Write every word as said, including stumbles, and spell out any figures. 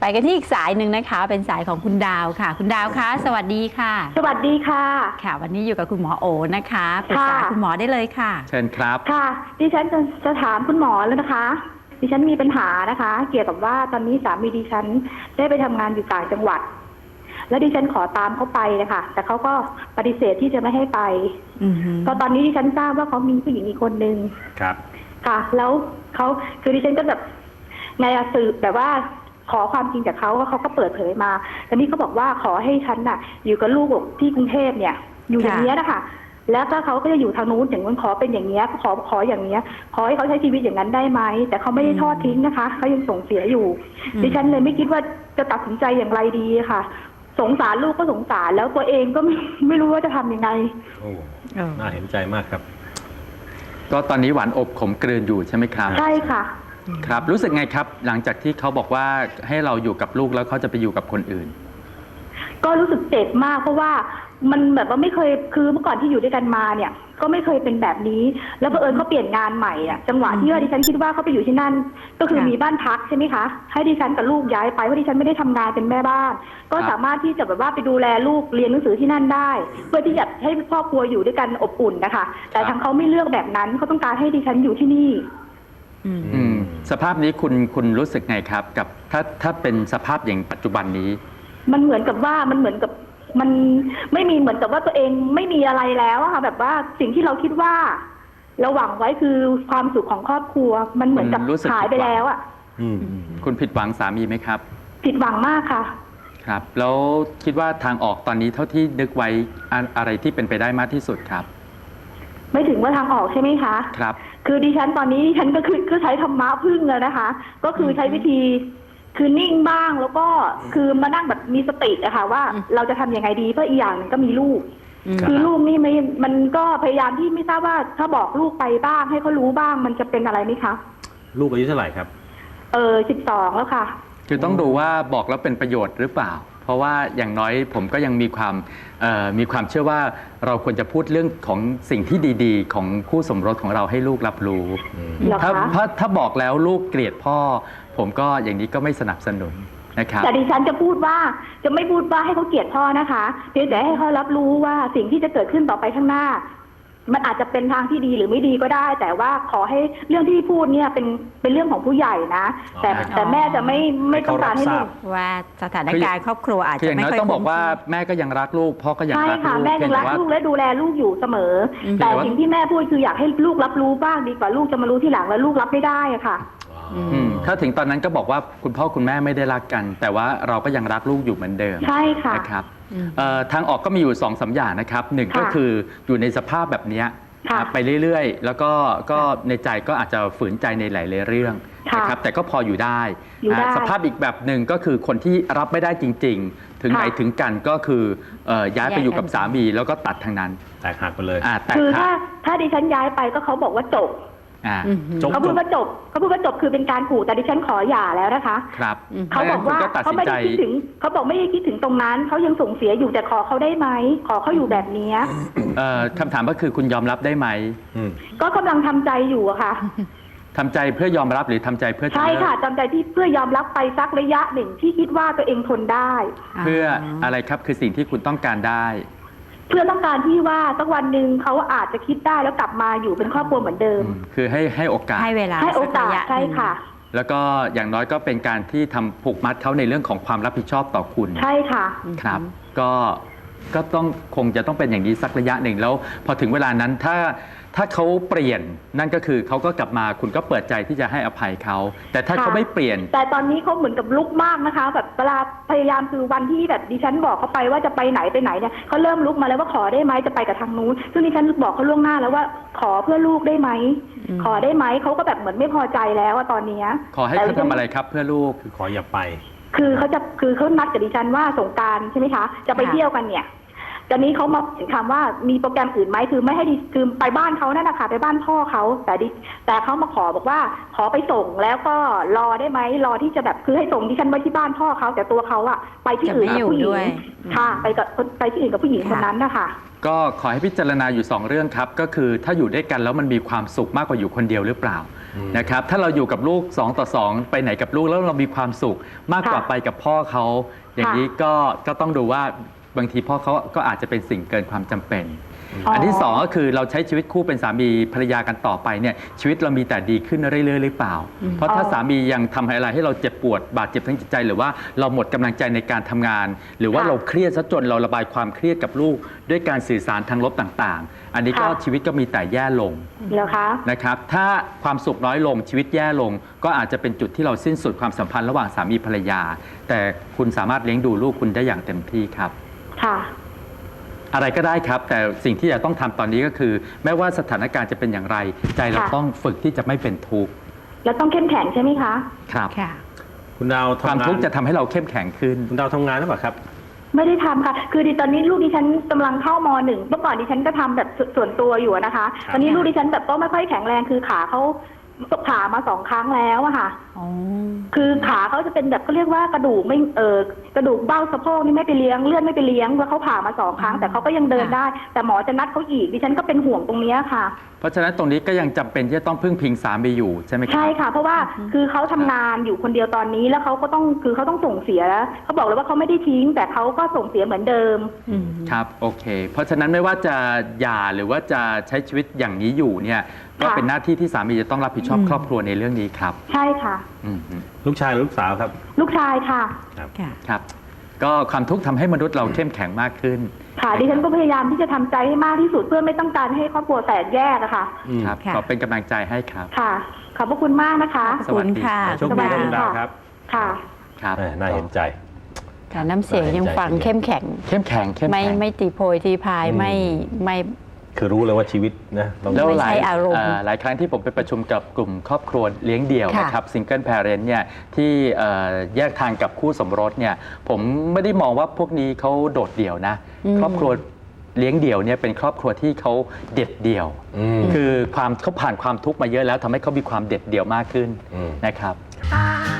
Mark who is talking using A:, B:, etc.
A: ไปกันที่อีกสายหนึ่งนะคะเป็นสายของคุณดาวค่ะคุณดาวคะสวัสดีค่ะ
B: สวัสดีค่ะ
A: ค่ะวันนี้อยู่กับคุณหมอโอนะคะปรึกษาคุณหมอได้เลยค่ะ
C: เชิญครับ
B: ค่ะดิฉันจะจะถามคุณหมอแล้วนะคะดิฉันมีปัญหานะคะ เกี่ยวกับว่าตอนนี้สามีดิฉันได้ไปทำงานอยู่ต่างจังหวัดแล้วดิฉันขอตามเขาไปนะคะแต่เขาก็ปฏิเสธที่จะไม่ให้ไปตอนตอนนี้ดิฉันทราบว่าเขามีผู้หญิงอีกคนนึง
C: ครับ
B: ค่ะแล้วเขาคือดิฉันก็แบบไงอะสืบแบบว่าขอความจริงจากเขาว่าเขาก็เปิดเผยมาแต่นี่เขาบอกว่าขอให้ฉันน่ะอยู่กับลูกที่กรุงเทพเนี่ยอยู่อย่างนี้นะคะแล้วก็เขาก็จะอยู่ทางนู้นอย่างนู้นขอเป็นอย่างเงี้ยขอขออย่างเงี้ยขอให้เขาใช้ชีวิตอย่างนั้นได้ไหมแต่เขาไม่ได้ทอดทิ้งนะคะเขายังส่งเสียอยู่ดิฉันเลยไม่คิดว่าจะตัดสินใจอย่างไรดีค่ะสงสารลูกก็สงสารแล้วตัวเองก็ไม่ไม่รู้ว่าจะทำยังไง
D: โอ้น่าเห็นใจมากครับ
C: ก็ตอนนี้หวานอบขมกลืนอยู่ใช่ไหมครับ
B: ใช่ค่ะ
C: ครับรู้สึกไงครับหลังจากที่เขาบอกว่าให้เราอยู่กับลูกแล้วเขาจะไปอยู่กับคนอื่น
B: ก็รู้สึกเจ็บมากเพราะว่ามันแบบว่าไม่เคยคือเมื่อก่อนที่อยู่ด้วยกันมาเนี่ยก็ไม่เคยเป็นแบบนี้แล้วเผอิญเขาเปลี่ยนงานใหม่อ่ะจังหวะที่ว่าดิฉันคิดว่าเขาไปอยู่ที่นั่นก็คือมีบ้านพักใช่ไหมคะให้ดิฉันกับลูกย้ายไปเพราะดิฉันไม่ได้ทำงานเป็นแม่บ้านก็สามารถที่จะแบบว่าไปดูแลลูกเรียนหนังสือที่นั่นได้เพื่อที่จะให้ครอบครัวอยู่ด้วยกันอบอุ่นนะคะแต่ทางเขาไม่เลือกแบบนั้นเขาต้องการให้ดิฉันอยู่ที่นี่
C: อืมสภาพนี้คุณคุณรู้สึกไงครับกับถ้าถ้าเป็นสภาพอย่างปัจจุบันนี้
B: มันเหมือนกับว่ามันเหมือนกับมันไม่มีเหมือนกับว่าตัวเองไม่มีอะไรแล้วอะค่ะแบบว่าสิ่งที่เราคิดว่าเราหวังไว้คือความสุขของครอบครัวมันเหมือนกับหายไปแล้วอะ
C: คุณผิดหวังสามีไหมครับ
B: ผิดหวังมากค่ะ
C: ครับแล้วคิดว่าทางออกตอนนี้เท่าที่นึกไว้อะไรที่เป็นไปได้มากที่สุดครับ
B: ไม่ถึงว่าทางออกใช่ไหมคะ
C: ครับ
B: คือดิฉันตอนนี้ดิฉันก็คือคือใช้ธรรมะพึ่งเลยนะคะก็คือใช้วิธีคือนิ่งบ้างแล้วก็คือมานั่งแบบมีสติอะค่ะว่าเราจะทำยังไงดีเพราะอีกอย่างนึงก็มีลูกคือลูกนี่ไม่มันก็พยายามที่ไม่ทราบว่าถ้าบอกลูกไปบ้างให้เขารู้บ้างมันจะเป็นอะไรไหมคะ
D: ลูกอายุเท่าไหร่ครับ
B: เออสิบสองแล้วค่ะ
C: คือต้องดูว่าบอกแล้วเป็นประโยชน์หรือเปล่าเพราะว่าอย่างน้อยผมก็ยังมีความมีความเชื่อว่าเราควรจะพูดเรื่องของสิ่งที่ดีๆของคู่สมรสของเราให้ลูกรับรู้ถ้าถ้าถ้าบอกแล้วลูกเกลียดพ่อผมก็อย่างนี้ก็ไม่สนับสนุนนะครับ
B: แต่ดิฉันจะพูดว่าจะไม่พูดว่าให้เขาเกลียดพ่อนะคะเพียงแต่ให้เขารับรู้ว่าสิ่งที่จะเกิดขึ้นต่อไปข้างหน้ามันอาจจะเป็นทางที่ดีหรือไม่ดีก็ได้ แต่ว่าขอให้เรื่องที่พูดเนี่ยเป็นเป็นเรื่องของผู้ใหญ่นะแต่แต่แม่จะไม่ไม่ต้องการให้ลูก
A: ว่าสถานการณ์ครอบครัวอาจจะไม่ค่อย
C: ต้องบอกว่าแม่ก็ยังรักลูกพ่อก็ยังรักลูกใช่
B: ค่ะแม่ยังรักลูกและดูแลลูกอยู่เสมอแต่สิ่งที่แม่พูดคืออยากให้ลูกรับรู้บ้างดีกว่าลูกจะมารู้ทีหลังแล้วลูกรับไม่ได้อะค่ะ
C: ถ้าถึงตอนนั้นก็บอกว่าคุณพ่อคุณแม่ไม่ได้รักกันแต่ว่าเราก็ยังรักลูกอยู่เหมือนเดิม
B: ใช่ค่ะ
C: นะครับทางออกก็มีอยู่สองสามอย่างนะครับหนึ่งก็คืออยู่ในสภาพแบบนี้ไปเรื่อยๆแล้วก็ก็ในใจก็อาจจะฝืนใจในหลายๆเรื่องนะครับแต่ก็พออยู่ได้สภาพอีกแบบหนึ่งก็คือคนที่รับไม่ได้จริงๆถึงไหนถึงกันก็คือย้ายไปอยู่กับสามีแล้วก็ตัดทางนั้น
D: แตกหักไปเลย
B: คือถ้าถ้าดิฉันย้ายไปก็เขาบอกว่าจบเขาพูดว่าจบเขาพูดว่าจบคือเป็นการขู่แต่ดิฉันขอหย่าแล้วนะคะ
C: ครับ
B: เขาบอกว่าเขาไม่ได้คิดถึงเขาบอกไม่ได้คิดถึงตรงนั้นเขายังส่งเสียอยู่แต่ขอเขาได้ไหมขอเขาอยู่แบบนี้
C: คำถามก็คือคุณยอมรับได้ไหม
B: ก็กำลังทำใจอยู่อะค่ะ
C: ทำใจเพื่อยอมรับหรือทำใจเพื่อ
B: ใช่ค่ะทำใจที่เพื่อยอมรับไปสักระยะหนึ่งที่คิดว่าตัวเองทนได้
C: เพื่ออะไรครับคือสิ่งที่คุณต้องการได้
B: เพื่อต้องการที่ว่าสักวันหนึ่งเขาอาจจะคิดได้แล้วกลับมาอยู่เป็นครอบครัวเหมือนเดิม
C: คือให้ให้โอกาส
A: ให้เวลา
B: ให้โอกาสใช่ค่ะ
C: แล้วก็อย่างน้อยก็เป็นการที่ทำผูกมัดเขาในเรื่องของความรับผิดชอบต่อคุณ
B: ใช่ค่ะ
C: ครับก็ก็ต้องคงจะต้องเป็นอย่างนี้สักระยะหนึ่งแล้วพอถึงเวลานั้นถ้าถ้าเขาเปลี่ยนนั่นก็คือเขาก็กลับมาคุณก็เปิดใจที่จะให้อภัยเขาแต่ถ้าเขาไม่เปลี่ยน
B: แต่ตอนนี้เขาเหมือนกับลุกมากนะคะแบบเวลาพยายามคือวันที่แบบดิฉันบอกเขาไปว่าจะไปไหนไปไหนเนี่ยเขาเริ่มลุกมาแล้วว่าขอได้ไหมจะไปกับทางนู้นซึ่งดิฉันบอกเขาล่วงหน้าแล้วว่าขอเพื่อลูกได้ไหมขอได้ไหมเขาก็แบบเหมือนไม่พอใจแล้วตอนนี้
C: ขอให้เขาทำอะไรครับเพื่อลูก
D: คือขออย่าไป
B: คือเขาจะคือเขานัดกับดิฉันว่าสงกรานต์ใช่ไหมคะจะไปเที่ยวกันเนี่ยตอนนี้เขามาถึงคำว่ามีโปรแกรมอื่นไหมคือไม่ให้ดิคือไปบ้านเขานั่นนะคะไปบ้านพ่อเขาแต่ดิแต่เขามาขอบอกว่าขอไปส่งแล้วก็รอได้ไหมรอที่จะแบบคือให้ส่งดิฉันไว้ที่บ้านพ่อเขาแต่ตัวเขาอะไปที่อื่นกับผู้หญิงค่ะไปกับไปที่อื่นกับผู้หญิงคนนั้นนะคะ
C: ก็ขอให้พิจารณาอยู่สองเรื่องครับก็คือถ้าอยู่ด้วยกันแล้วมันมีความสุขมากกว่าอยู่คนเดียวหรือเปล่านะครับถ้าเราอยู่กับลูกสองต่อสองไปไหนกับลูกแล้วเรามีความสุขมากกว่าไปกับพ่อเขาอย่างนี้ก็ก็ต้องดูว่าบางทีพ่อเขาก็อาจจะเป็นสิ่งเกินความจำเป็นอันที่สองก็คือเราใช้ชีวิตคู่เป็นสามีภรรยากันต่อไปเนี่ยชีวิตเรามีแต่ดีขึ้นเรื่อยๆหรือเปล่าเพราะถ้าสามียังทำอะไรให้เราเจ็บปวดบาดเจ็บทั้งจิตใจหรือว่าเราหมดกำลังใจในการทำงานหรือว่าเราเครียดซะจนเราระบายความเครียดกับลูกด้วยการสื่อสารทางลบต่างๆอันนี้ก็ชีวิตก็มีแต่แย่ลง
B: แล้วคะ
C: นะครับถ้าความสุขน้อยลงชีวิตแย่ลงก็อาจจะเป็นจุดที่เราสิ้นสุดความสัมพันธ์ระหว่างสามีภรรยาแต่คุณสามารถเลี้ยงดูลูกคุณได้อย่างเต็มที่ครับ
B: ค่ะ
C: อะไรก็ได้ครับแต่สิ่งที่จะต้องทำตอนนี้ก็คือแม้ว่าสถานการณ์จะเป็นอย่างไรใจเราต้องฝึกที่จะไม่เป็นทุกข์
B: แล้วต้องเข้มแข็งใช่ไหมคะ
C: ครับ
D: คุณดาว
C: ความทุกข์จะทำให้เราเข้มแข็งขึ้น
D: คุณดาวทำงานหรือเปล่าครับ
B: ไม่ได้ทำค่ะคือดิตอนนี้ลูกดิฉันกำลังเข้ามหนึ่งเมื่อก่อนดิฉันก็ทำแบบส่วนตัวอยู่นะคะตอนนี้ลูกดิฉันแบบก็ไม่ค่อยแข็งแรงคือขาเขาผ่ามาสองครั้งแล้วอะค่ะคือขาเขาจะเป็นแบบเขาเรียกว่ากระดูกไม่เออกระดูกเบ้าสะโพกนี่ไม่ไปเลี้ยงเลือดไม่ไปเลี้ยงแล้วเขาผ่ามาสองครั้งแต่เขาก็ยังเดินได้แต่หมอจะนัดเขาอีกดิฉันก็เป็นห่วงตรงนี้ค่ะ
C: เพราะฉะนั้นตรงนี้ก็ยังจำเป็นที่จะต้องพึ่งพิงสามีอยู่ใช่ไหมครับ
B: ใช่ค่ะเพราะว่าคือเขาทำงานอยู่คนเดียวตอนนี้แล้วเขาก็ต้องคือเขาต้องส่งเสียเขาบอกเลยว่าเขาไม่ได้ทิ้งแต่เขาก็ส่งเสียเหมือนเดิม
C: ครับโอเคเพราะฉะนั้นไม่ว่าจะหย่าหรือว่าจะใช้ชีวิตอย่างนี้อยู่เนี่ยก็เป็นหน้าที่ที่สามีจะต้องรับผิดชอบครอบครัวในเรื่องนี้ครับ
B: ใช่ค่ะ
D: ลูกชายหรือลูกสาวครับ
B: ลูกชายค่ะ
D: ครับ
C: ครับก็ความทุกข์ทำให้มนุษย์เราเข้มแข็งมากขึ้น
B: ค่ะดิฉันก็พยายามที่จะทำใจให้มากที่สุดเพื่อไม่ต้องการให้ครอบครัวแตกแยกอะค่ะ
C: ครับขอเป็นกำลังใจให้ครับ
B: ค่ะขอบพระคุณมากนะคะ
A: ขอบคุณค่ะ
D: โชคดีคุณดาวครับ
B: ค่ะ
C: ครับ
D: น่าเห็นใจ
A: ค่ะน้ำเสียงยังฟังเข้มแข็ง
C: เข้มแข็งเข้มแข็ง
A: ไม่ไม่ตีโพยตีพายไม่ไม่
D: คือรู้เลยว่าชีวิตนะ
C: แล้วหลายหลายครั้งที่ผมไปประชุมกับกลุ่มครอบครัวเลี้ยงเดี่ยวนะครับซิงเกิลแพเรนต์เนี่ยที่แยกทางกับคู่สมรสเนี่ยผมไม่ได้มองว่าพวกนี้เขาโดดเดี่ยวนะครอบครัวเลี้ยงเดี่ยวเนี่ยเป็นครอบครัวที่เขาเด็ดเดี่ยวคือความเขาผ่านความทุกข์มาเยอะแล้วทำให้เขามีความเด็ดเดี่ยวมากขึ้นนะครับ